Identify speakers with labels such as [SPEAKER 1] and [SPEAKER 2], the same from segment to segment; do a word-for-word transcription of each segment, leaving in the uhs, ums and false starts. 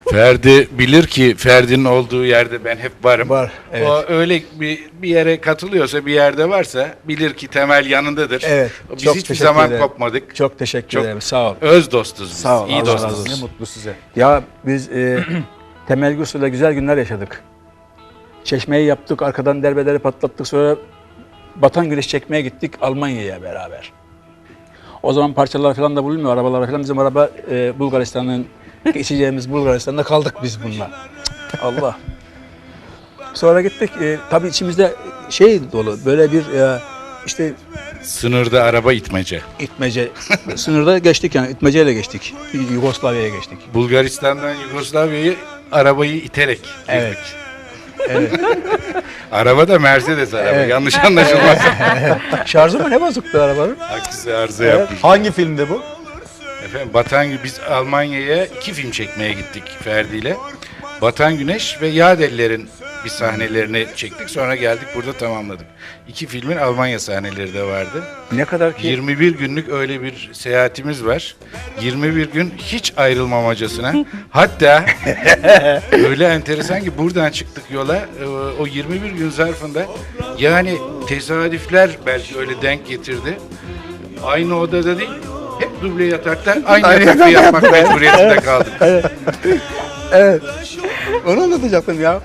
[SPEAKER 1] Ferdi bilir ki Ferdi'nin olduğu yerde ben hep varım.
[SPEAKER 2] Var, evet.
[SPEAKER 1] O öyle bir, bir yere katılıyorsa, bir yerde varsa bilir ki Temel yanındadır.
[SPEAKER 2] Evet.
[SPEAKER 1] Biz
[SPEAKER 2] çok
[SPEAKER 1] hiçbir
[SPEAKER 2] teşekkür
[SPEAKER 1] zaman
[SPEAKER 2] ederim.
[SPEAKER 1] kopmadık.
[SPEAKER 2] Çok teşekkür
[SPEAKER 1] Çok
[SPEAKER 2] ederim. Sağ ol.
[SPEAKER 1] Öz dostuz biz.
[SPEAKER 2] Sağ ol,
[SPEAKER 1] İyi
[SPEAKER 2] Allah razı
[SPEAKER 1] dostuz.
[SPEAKER 2] olsun.
[SPEAKER 3] Ne mutlu size.
[SPEAKER 2] Ya biz e, Temel Gürsu'yla güzel günler yaşadık. Çeşmeyi yaptık, arkadan derbeleri patlattık. Sonra Batan Güneş çekmeye gittik Almanya'ya beraber. O zaman parçalar falan da bulunmuyor, arabalar falan. Bizim araba e, Bulgaristan'ın, geçeceğimiz Bulgaristan'da kaldık biz bununla. Allah. Sonra gittik, e, tabii içimizde şey dolu, böyle bir e, işte
[SPEAKER 1] Sınırda araba itmece.
[SPEAKER 2] itmece, sınırda geçtik yani, itmeceyle geçtik. Yugoslavya'ya geçtik.
[SPEAKER 1] Bulgaristan'dan Yugoslavya'yı arabayı iterek girdik.
[SPEAKER 2] Evet. Evet.
[SPEAKER 1] Araba da Mercedes araba.
[SPEAKER 2] Evet.
[SPEAKER 1] Yanlış anlaşılmaz.
[SPEAKER 2] Şarjı mı ne bozuktu arabanın?
[SPEAKER 1] Aksi arıza yapmış.
[SPEAKER 3] Hangi filmde bu?
[SPEAKER 1] Efendim Batan Gü- biz Almanya'ya iki film çekmeye gittik Ferdi ile. Batan Güneş ve Yadeller'in bir sahnelerini çektik. Sonra geldik burada tamamladık. İki filmin Almanya sahneleri de vardı.
[SPEAKER 2] Ne kadar ki
[SPEAKER 1] yirmi bir günlük öyle bir seyahatimiz var. yirmi bir gün hiç ayrılmamacasına. Hatta öyle enteresan ki buradan çıktık yola. e, O yirmi bir gün zarfında yani tesadüfler belki öyle denk getirdi. Aynı odada değil, hep duble yatakta aynı yatakta yapmak mecburiyetinde kaldık.
[SPEAKER 2] evet. Onu anlatacaktım ya.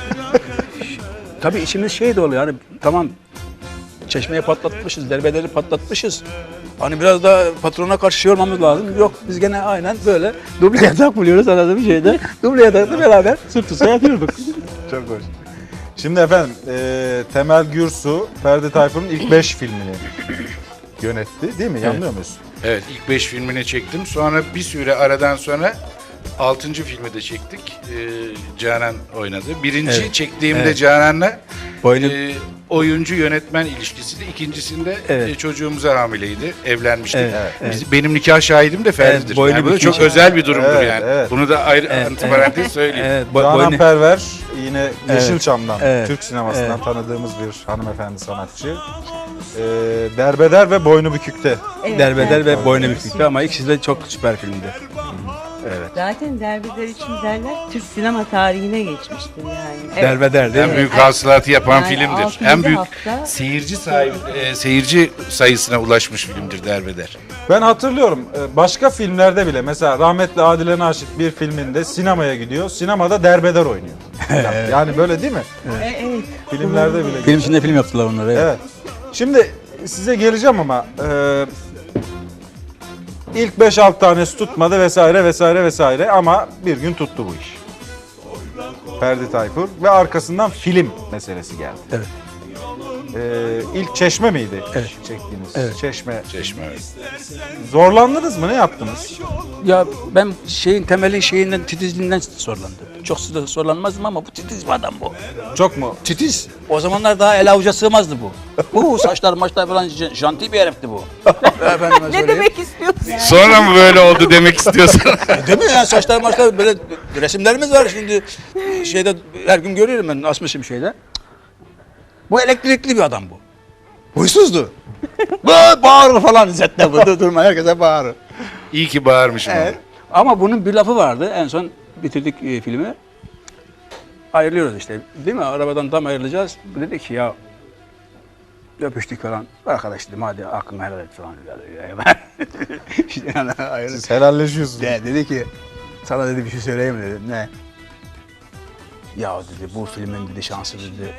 [SPEAKER 2] Tabii içimiz şey dolu yani, tamam çeşmeyi patlatmışız, derbeleri patlatmışız. Hani biraz da patrona karşı şey olmamız lazım. Yok, biz gene aynen böyle duble yatak buluyoruz anladığım şeyde. Duble yatakla beraber sırt üstü yatıyorduk.
[SPEAKER 3] Çok hoş. Şimdi efendim e, Temel Gürsu, Ferdi Tayfur'un ilk beş filmini yönetti değil mi? Yanılıyor muyuz?
[SPEAKER 1] Evet, ilk beş filmini çektim. Sonra bir süre aradan sonra altıncı filmi de çektik. Ee, Canan oynadı. Birinci
[SPEAKER 2] Evet.
[SPEAKER 1] çektiğimde
[SPEAKER 2] Evet.
[SPEAKER 1] Canan'la
[SPEAKER 2] Boynu
[SPEAKER 1] e, oyuncu yönetmen ilişkisiydi. İkincisinde
[SPEAKER 2] Evet.
[SPEAKER 1] e, çocuğumuza hamileydi. Evlenmiştik.
[SPEAKER 2] Evet, evet.
[SPEAKER 1] Biz, benim nikah şahidim de Ferdi'dir.
[SPEAKER 2] Evet, boynu
[SPEAKER 1] yani bu da
[SPEAKER 2] bükük.
[SPEAKER 1] çok özel bir durumdur
[SPEAKER 3] Evet,
[SPEAKER 1] yani.
[SPEAKER 3] evet.
[SPEAKER 1] Bunu da ayrı
[SPEAKER 2] Evet,
[SPEAKER 1] antiparantez söyleyeyim.
[SPEAKER 2] Evet, bo-
[SPEAKER 3] Canan
[SPEAKER 2] boynu-
[SPEAKER 3] Perver yine
[SPEAKER 2] Evet.
[SPEAKER 3] Yeşilçam'dan,
[SPEAKER 2] Evet.
[SPEAKER 3] Türk sinemasından
[SPEAKER 2] Evet.
[SPEAKER 3] tanıdığımız bir hanımefendi sanatçı. E, Derbeder ve Boynu Bükük'te.
[SPEAKER 4] Evet,
[SPEAKER 2] Derbeder
[SPEAKER 4] evet.
[SPEAKER 2] ve Boynu Bükük'tü ama ikisi de çok süper filmdi. Evet.
[SPEAKER 4] Zaten derbeder için derler Türk sinema tarihine geçmiştir yani. Evet.
[SPEAKER 2] Derbeder değil
[SPEAKER 1] En
[SPEAKER 2] mi?
[SPEAKER 1] büyük hasılatı yapan
[SPEAKER 4] Yani
[SPEAKER 1] filmdir.
[SPEAKER 4] altıncı
[SPEAKER 1] En büyük
[SPEAKER 4] hafta-
[SPEAKER 1] seyirci sahibi, e, seyirci sayısına ulaşmış filmdir Derbeder.
[SPEAKER 3] Ben hatırlıyorum e, başka filmlerde bile mesela rahmetli Adile Naşit bir filminde sinemaya gidiyor. Sinemada derbeder oynuyor. Yani- Yani böyle değil mi?
[SPEAKER 4] E, evet.
[SPEAKER 3] Filmlerde bile.
[SPEAKER 2] Film içinde film yaptılar onları. Evet.
[SPEAKER 3] Evet. Şimdi size geleceğim ama e, ilk beş altı tanesi tutmadı vesaire vesaire vesaire ama bir gün tuttu bu iş. Ferdi Tayfur ve arkasından film meselesi geldi.
[SPEAKER 2] Evet.
[SPEAKER 3] E, ilk Çeşme miydi?
[SPEAKER 2] Evet.
[SPEAKER 3] Çektiğiniz.
[SPEAKER 2] Evet.
[SPEAKER 3] Çeşme.
[SPEAKER 1] Çeşme. evet.
[SPEAKER 3] Zorlandınız mı? Ne yaptınız?
[SPEAKER 2] Ya ben şeyin temelin şeyinden, titizliğinden zorlandım. Çok da zorlanmazdım ama bu titiz bir adam bu.
[SPEAKER 3] Çok mu?
[SPEAKER 2] Titiz. O zamanlar daha el avuca sığmazdı bu. Bu saçlar maçlar falan j- janti bir herifti bu. Efendime
[SPEAKER 4] Ne
[SPEAKER 2] söyleyeyim.
[SPEAKER 4] demek istiyorsun?
[SPEAKER 1] Sonra mı böyle oldu demek istiyorsun?
[SPEAKER 2] Değil mi ya, saçlar maçlar böyle resimlerimiz var şimdi şeyde, her gün görüyorum ben, asmışım şeyde. Bu elektrikli bir adam bu. Huysuzdu. Bu bağırır falan İzzet'te bu, durma herkese bağırır.
[SPEAKER 1] İyi ki bağırmışım.
[SPEAKER 2] Evet. Ama bunun bir lafı vardı. En son bitirdik e, filmi. Ayrılıyoruz işte. Değil mi? Arabadan tam ayrılacağız. Bu dedi ki ya, öpüştük falan. Arkadaş dedim, hadi aklını helal et falan. İşte yani ayrıldık.
[SPEAKER 3] Siz helalleşiyorsunuz.
[SPEAKER 2] De, dedi ki, sana dedi bir şey söyleyeyim mi dedi. Ne? Ya dedi, bu filmin dedi şansı dedi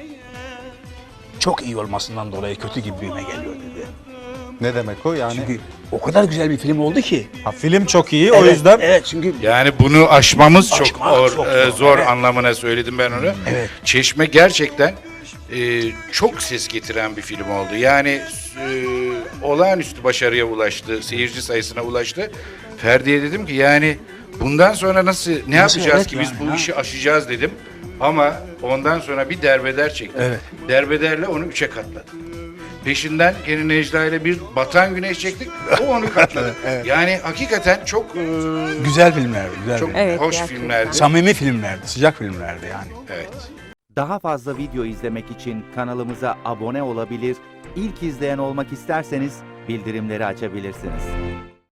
[SPEAKER 2] çok iyi olmasından dolayı kötü gibime geliyor dedi.
[SPEAKER 3] Ne demek o yani?
[SPEAKER 2] Çünkü o kadar güzel bir film oldu ki.
[SPEAKER 3] Ha, film çok iyi o
[SPEAKER 2] Evet,
[SPEAKER 3] yüzden
[SPEAKER 2] Evet çünkü
[SPEAKER 1] Yani bunu aşmamız çok
[SPEAKER 2] Aşmak
[SPEAKER 1] zor,
[SPEAKER 2] çok
[SPEAKER 1] e,
[SPEAKER 2] zor,
[SPEAKER 1] zor
[SPEAKER 2] evet.
[SPEAKER 1] anlamına söyledim ben onu.
[SPEAKER 2] Evet.
[SPEAKER 1] Çeşme gerçekten e, çok ses getiren bir film oldu. Yani e, olağanüstü başarıya ulaştı, seyirci sayısına ulaştı. Ferdi'ye dedim ki yani bundan sonra nasıl, ne
[SPEAKER 2] Nasıl,
[SPEAKER 1] yapacağız
[SPEAKER 2] evet
[SPEAKER 1] ki biz
[SPEAKER 2] yani,
[SPEAKER 1] bu
[SPEAKER 2] ha.
[SPEAKER 1] işi aşacağız dedim. Ama ondan sonra bir derbeder çektim.
[SPEAKER 2] Evet.
[SPEAKER 1] Derbederle onu üçe katladım. Peşinden gene Necla ile bir Batan Güneş çektik. O onu katladı. Yani hakikaten çok e,
[SPEAKER 2] güzel filmlerdi. Güzel
[SPEAKER 1] çok
[SPEAKER 2] filmler.
[SPEAKER 4] Evet,
[SPEAKER 1] hoş
[SPEAKER 4] gerçekten.
[SPEAKER 1] filmlerdi.
[SPEAKER 2] Samimi filmlerdi, sıcak filmlerdi yani.
[SPEAKER 1] Evet.
[SPEAKER 5] Daha fazla video izlemek için kanalımıza abone olabilir, ilk izleyen olmak isterseniz bildirimleri açabilirsiniz.